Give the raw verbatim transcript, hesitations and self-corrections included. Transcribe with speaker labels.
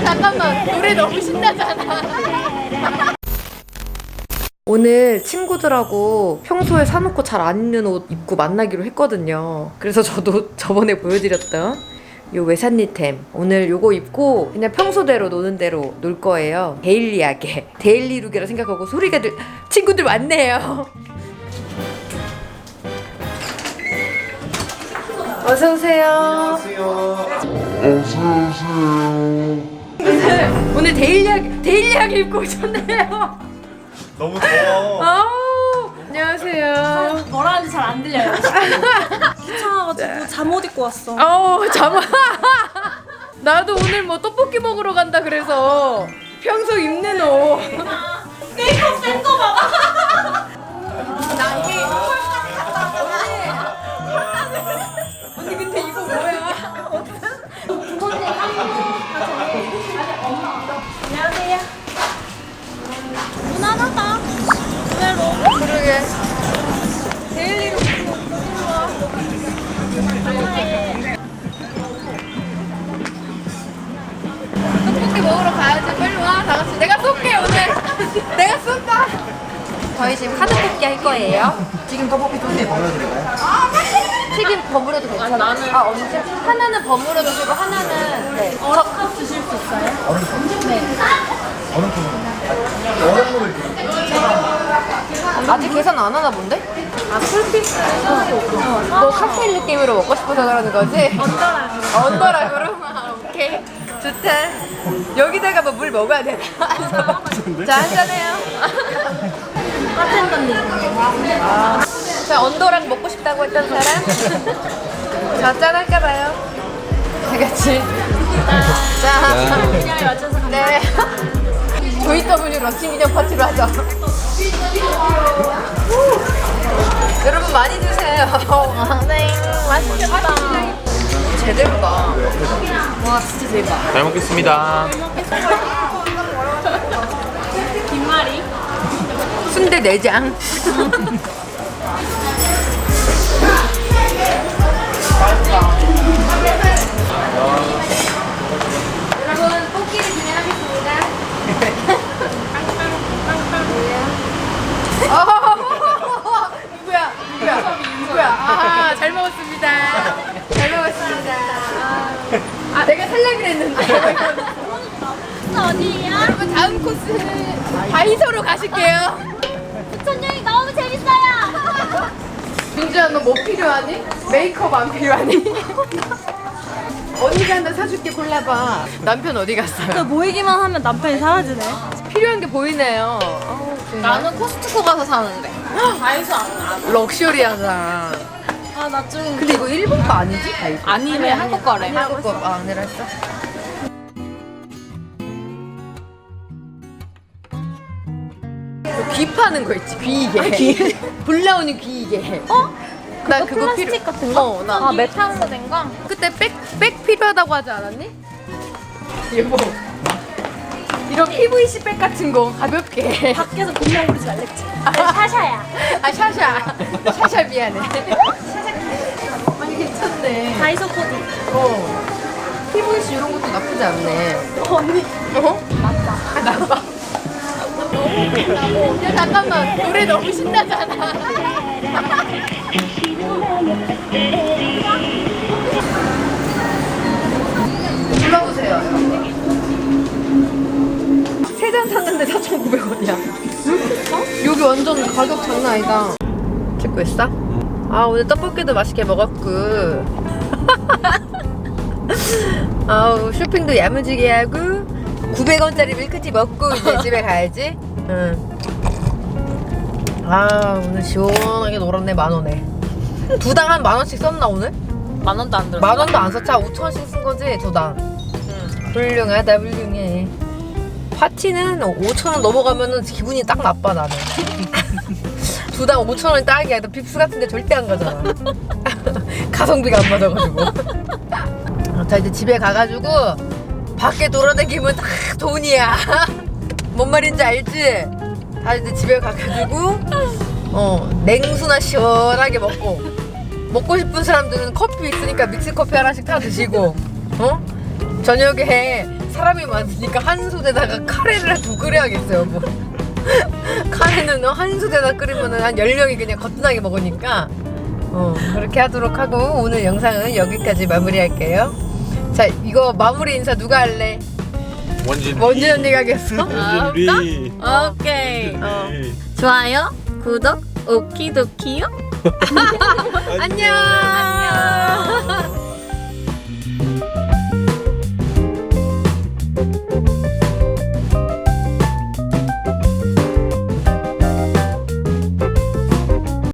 Speaker 1: 잠깐만, 노래 너무 신나잖아. 오늘 친구들하고 평소에 사놓고 잘 안 입는 옷 입고 만나기로 했거든요. 그래서 저도 저번에 보여드렸던 요 외산니템 오늘 요거 입고 그냥 평소대로 노는 대로 놀 거예요. 데일리하게 데일리룩이라 생각하고 소리가 들 친구들 왔네요. 어서오세요.
Speaker 2: 안녕하세요.
Speaker 1: 오늘, 오늘 데일리하게 데일리하게 입고 오셨네요.
Speaker 2: 너무 더워.
Speaker 1: 아우, 안녕하세요.
Speaker 3: 뭐라 하는지 잘 안 들려요. 귀찮아가지고 잠옷 입고 왔어.
Speaker 1: 어, 잠깐. 나도 오늘 뭐 떡볶이 먹으러 간다 그래서 평소 입는 옷.
Speaker 3: 메이크업 센거 봐봐.
Speaker 1: 언니 근데 이거 뭐야?
Speaker 3: 안녕하세요. 무난하다. 의외로.
Speaker 1: 그러게. 데일리로 떡볶이 먹으러 가야지. 빨리 와. 다 같이. 내가 쏠게 오늘. 내가 쏜다. 저희 지금 카드 뽑기 할 거예요.
Speaker 2: 지금 떡볶이 소스에 버려드릴까요?
Speaker 1: 튀김 버무려도 괜찮아? 나는 아 언제? 하나는 버무려 주시고 하나는 네.
Speaker 3: 얼어 드실 수 있어요?
Speaker 2: 얼음 통? 네. 얼음 통으로. 얼음물을 드릴게요.
Speaker 1: 아직 계산 안 하나 본데? 아 풀피스 너 칵테일 느낌으로 먹고 싶어서 그러는 거지?
Speaker 3: 언더라고.
Speaker 1: 언더락으로? 아, 오케이 좋다. 여기다가 뭐 물 먹어야 되나? 자 한잔해요.
Speaker 3: 바텐더님.
Speaker 1: 아, 자 언더락 먹고 싶다고 했던 사람? 자 짠할까봐요. 다 같이 자
Speaker 3: 분야에 맞춰서 갑니다.
Speaker 1: 네. 조이더블유 런칭 기념 파티로 하죠. 여러분 많이 드세요.
Speaker 3: 네, 맛있겠다.
Speaker 1: 제대로다. 와 진짜 대박.
Speaker 4: 잘 먹겠습니다.
Speaker 3: 김말이.
Speaker 1: 순대 내장. 여러분 뽑기를 진행하겠습니다. 어, 누구야? 누구야? 누구야? 아, 잘 먹었습니다. 잘 먹었습니다. 아, 내가 살려고 했는데.
Speaker 3: 어디야?
Speaker 1: 여러분 다음 코스 다이소로 가실게요.
Speaker 3: 부천 여행 너무 재밌어요.
Speaker 1: 민주야 너 뭐 필요하니? 메이크업 안 필요하니? 언니가 하나 사줄게. 골라봐. 남편 어디 갔어요?
Speaker 3: 모이기만 하면 남편이 사라지네.
Speaker 1: 필요한 게 보이네요. 어우, 정말.
Speaker 3: 나는 코스트코 가서 사는데. 다이소 안 가.
Speaker 1: 럭셔리하다.
Speaker 3: 아, 나 좀.
Speaker 1: 근데 이거 일본 거 아니지? 다이소?
Speaker 3: 아니래, 한국 거래.
Speaker 1: 한국 거 아, 아니라 했어? 귀 파는 거 있지, 귀이게. 불 나오는 귀이게.
Speaker 3: 어?
Speaker 1: 나
Speaker 3: 그거
Speaker 1: 그거
Speaker 3: 플라스틱
Speaker 1: 필요.
Speaker 3: 같은 거?
Speaker 1: 어, 나
Speaker 3: 아, 메탄으로 된 거?
Speaker 1: 그때 백, 백 필요하다고 하지 않았니? 여보. 이런 피브이씨 백 같은 거 가볍게.
Speaker 3: 밖에서 공룡 부리지 말랬지. 샤샤야.
Speaker 1: 아, 샤샤. 샤샤 미안해. 아니, 괜찮네.
Speaker 3: 다이소 코디.
Speaker 1: 어. 피브이씨 이런 것도 나쁘지 않네.
Speaker 3: 언니.
Speaker 1: 어? 맞다. 아, 나빠. 야, 잠깐만. 노래 너무 신나잖아. 불러보세요. 세 잔 샀는데 사천구백 원이야. 어? 여기 완전 가격 장난 아니다. 찍고 있어? 아, 오늘 떡볶이도 맛있게 먹었고. 아우, 쇼핑도 야무지게 하고 구백 원짜리 밀크티 먹고 이제 집에 가야지. 응. 아, 오늘 시원하게 놀았네. 만 원에. 두당 한 만 원씩 썼나 오늘?
Speaker 3: 만 원도 안 들었어.
Speaker 1: 만 원도 안 썼지. 오천 원씩 쓴 거지 두당.
Speaker 3: 응.
Speaker 1: 훌륭하다 훌륭해. 파티는 오천 원 넘어가면은 기분이 딱 나빠 나는. 두당 오천 원이 딱이야. 너 빕스 같은데 절대 안 가잖아. 가성비가 안 맞아가지고. 자 이제 집에 가가지고 밖에 돌아다니면 다 돈이야. 뭔 말인지 알지? 다 이제 집에 가가지고 어 냉수나 시원하게 먹고, 먹고 싶은 사람들은 커피 있으니까 믹스커피 하나씩 타 드시고, 어? 저녁에 사람이 많으니까 한 솥에다가 카레를 두 끓여야겠어요 뭐. 카레는 한 솥에다 끓이면 한 열 명이 그냥 거뜬하게 먹으니까 어, 그렇게 하도록 하고 오늘 영상은 여기까지 마무리할게요. 자, 이거 마무리 인사 누가 할래?
Speaker 4: 원진
Speaker 1: 원진 언니가 하겠어?
Speaker 4: 원진 리
Speaker 3: 오케이.
Speaker 1: 어.
Speaker 3: 좋아요, 구독, 오키도키요.
Speaker 1: 안녕.